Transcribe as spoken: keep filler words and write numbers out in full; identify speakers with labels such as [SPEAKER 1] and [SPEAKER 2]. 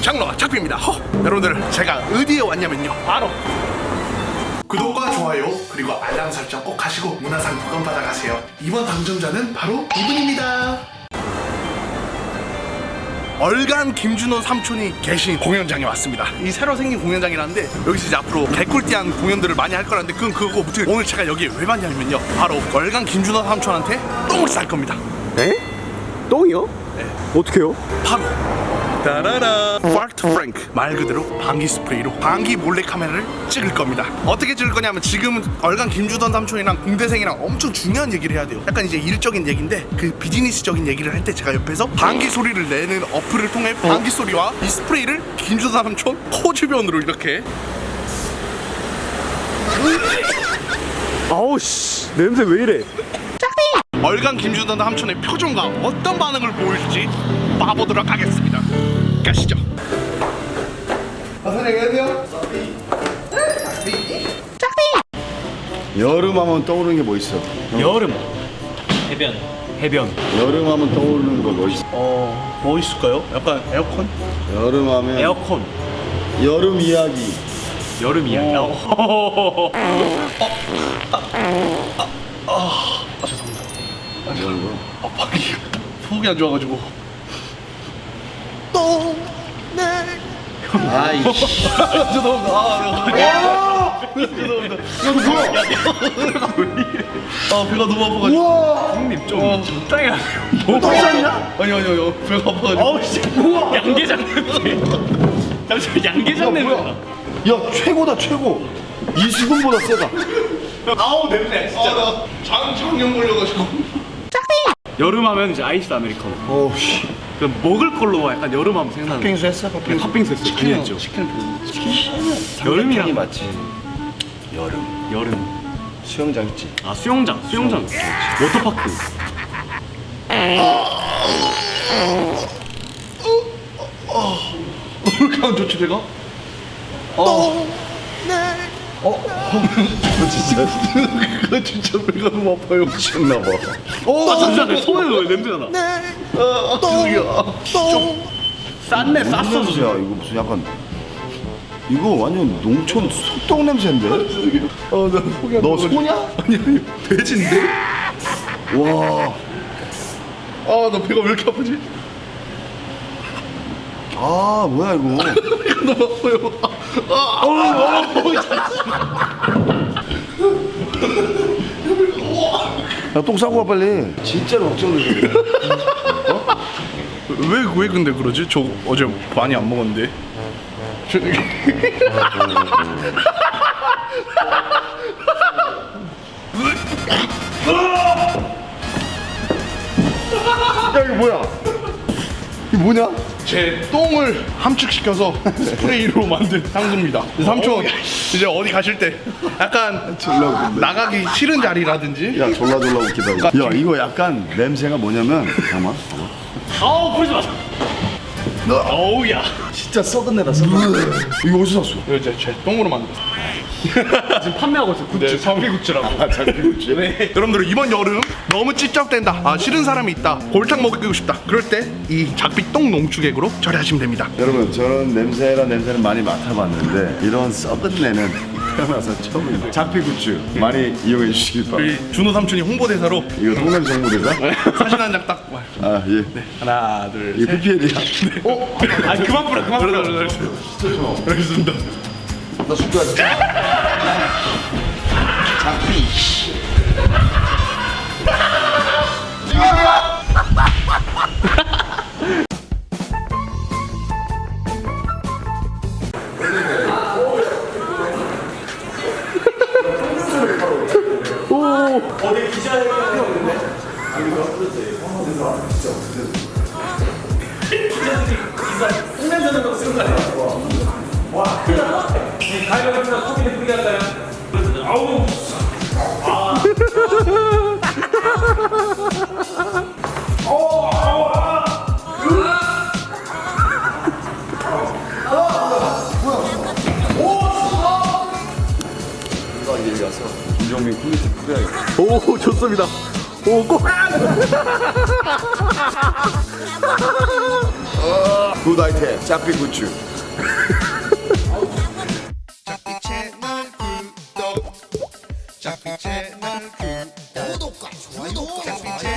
[SPEAKER 1] 장로 작비입니다. 허! 여러분들 제가 어디에 왔냐면요, 바로 구독과 좋아요 그리고 알람 설정 꼭 하시고 문화상품권 받아가세요. 이번 당첨자는 바로 이분입니다. 얼간 김준호 삼촌이 계신 공연장에 왔습니다. 이 새로 생긴 공연장이라는데 여기서 이제 앞으로 개꿀띠한 공연들을 많이 할 거라는데 그건 그거고, 무튼 오늘 제가 여기 왜 왔냐면요, 바로 얼간 김준호 삼촌한테 똥을 쌀 겁니다.
[SPEAKER 2] 에? 똥이요?
[SPEAKER 1] 네.
[SPEAKER 2] 어떻게요?
[SPEAKER 1] 바로 따라라 파트 프랭크, 말 그대로 방귀 스프레이로 방귀 몰래 카메라를 찍을 겁니다. 어떻게 찍을 거냐면, 지금 얼간 김주던 삼촌이랑 공대생이랑 엄청 중요한 얘기를 해야 돼요. 약간 이제 일적인 얘기인데 그 비즈니스적인 얘기를 할 때 제가 옆에서 방귀 소리를 내는 어플을 통해 방귀 소리와 이 스프레이를 김주던 삼촌 코 주변으로 이렇게.
[SPEAKER 2] 아우 씨, 냄새 왜 이래?
[SPEAKER 1] 얼간 김주던 삼촌의 표정과 어떤 반응을 보일지 봐보도록 하겠습니다. 가시죠. 아, 선생님 안녕하세요.
[SPEAKER 3] 여름 하면 떠오르는 게 뭐 있어?
[SPEAKER 2] 여름 해변 해변
[SPEAKER 3] 여름 하면 떠오르는 거 뭐 있어?
[SPEAKER 1] 어, 뭐 있을까요? 약간 에어컨?
[SPEAKER 3] 여름 하면
[SPEAKER 2] 에어컨
[SPEAKER 3] 여름 이야기.
[SPEAKER 2] 여름 이야기.
[SPEAKER 1] 어. 아, 죄송합니다.
[SPEAKER 3] 이런 거.
[SPEAKER 1] 아, 밖이 속이 안 좋아가지고.
[SPEAKER 3] 아이씨.
[SPEAKER 1] 죄송합니다. 아, 죄송합니다. 야, 너 뭐야? 아, 배가 너무 아파가지고.
[SPEAKER 3] 우와.
[SPEAKER 2] 형님 좀
[SPEAKER 1] 어.
[SPEAKER 2] 적당히 하세요.
[SPEAKER 1] 뭐 떴냐? 아니 아니 아니, 배가 아파가지고.
[SPEAKER 2] 아우 씨, 우와. 양계장 냄새. 잠시만, 양계장 냄새.
[SPEAKER 3] 뭐야? 야 최고다 최고. 이수근보다 세다.
[SPEAKER 2] 아우 냄새 진짜.
[SPEAKER 1] 아, 나 장, 장염 걸려가지고.
[SPEAKER 2] 여름 하면 이제 아이스 아메리카노.
[SPEAKER 3] 어우 씨.
[SPEAKER 2] 그 먹을 걸로 약간 여름 하면 생각나는.
[SPEAKER 3] 팥빙수 했어?
[SPEAKER 2] 네,
[SPEAKER 3] 팥빙수.
[SPEAKER 2] 팥빙수 했어요.
[SPEAKER 3] 치킨
[SPEAKER 2] 했죠.
[SPEAKER 3] 치킨
[SPEAKER 2] 여름이랑
[SPEAKER 3] 맞지. 여름.
[SPEAKER 2] 여름.
[SPEAKER 3] 수영장 있지.
[SPEAKER 2] 아 수영장, 수영장. 워터파크.
[SPEAKER 1] 왜 이렇게 안 좋지, 배가? 어.
[SPEAKER 3] 저 진짜
[SPEAKER 1] 나 진짜 배가 너무 아파요.
[SPEAKER 3] 미쳤나 봐.
[SPEAKER 2] 아 잠시만, 내 손에 왜 냄새가 나?
[SPEAKER 1] 아, 죄송해요.
[SPEAKER 2] 쌌네, 쌌어.
[SPEAKER 3] 냄새야 이거 무슨 약간. 이거 완전 농촌 소똥 냄새인데?
[SPEAKER 1] 아, 나 속이 안
[SPEAKER 3] 너
[SPEAKER 1] 좋아가지고.
[SPEAKER 3] 소냐?
[SPEAKER 1] 아니 아니, 돼지인데?
[SPEAKER 3] 와.
[SPEAKER 1] 아, 나 배가 왜 이렇게 아프지?
[SPEAKER 3] 아 뭐야 이거.
[SPEAKER 1] 배가 너무 아파요. 아,
[SPEAKER 3] 야 똥 싸고 와 빨리. 진짜로 걱정돼.
[SPEAKER 1] 왜, 왜 근데 그러지? 저 어제 많이 안 먹었는데. 저-
[SPEAKER 3] 야 이거 뭐야? 이거 뭐냐?
[SPEAKER 1] 제 똥을 함축시켜서 스프레이로 만든 향수입니다. 삼촌 이제 어디 가실 때 약간
[SPEAKER 3] 졸라 웃긴데.
[SPEAKER 1] 나가기 싫은 자리라든지.
[SPEAKER 3] 야 졸라 졸라 웃기다. 야 이거 약간 냄새가 뭐냐면 잠깐만.
[SPEAKER 2] 아우 부르지 마. 어우 야.
[SPEAKER 3] 진짜 썩은 내다 썩은. 이거 어디서 샀어?
[SPEAKER 1] 이거 이제 제 똥으로 만들었어요.
[SPEAKER 2] 지금 판매하고 있어. 굿즈.
[SPEAKER 1] 네,
[SPEAKER 2] 장비굿즈라고.
[SPEAKER 3] 아 장비구치.
[SPEAKER 1] 네. 여러분들 이번 여름 너무 찝쩍댄다, 아 싫은 사람이 있다, 골탕 먹이고 싶다, 그럴 때 이 작비 똥 농축액으로 처리하시면 됩니다.
[SPEAKER 3] 여러분 저는 냄새랑 냄새는 많이 맡아봤는데 이런 썩은 내는 태어나서 처음입니다. 장비구치 많이 이용해 주시기 바랍니다.
[SPEAKER 1] 우리 준호 삼촌이 홍보대사로
[SPEAKER 3] 이거 똥냄새 홍보대사?
[SPEAKER 1] 사진 한 장 딱.
[SPEAKER 3] 아 예.
[SPEAKER 1] 하나 둘
[SPEAKER 3] 이거
[SPEAKER 1] 셋.
[SPEAKER 3] 피피엘이야.
[SPEAKER 1] 어?
[SPEAKER 2] 아 그만 뿌려, 그만 뿌려.
[SPEAKER 1] 알겠습니다.
[SPEAKER 3] 나 숙제하자. 장비. 김정민 퀄리티 뿌려야겠다.
[SPEAKER 1] 오, 좋습니다. 오, 꼭.
[SPEAKER 3] 굿 아이템 짝비 굿즈.
[SPEAKER 1] 짝비 채널 구독 짝비 채널 구독 구독과 좋아요 짝비 채널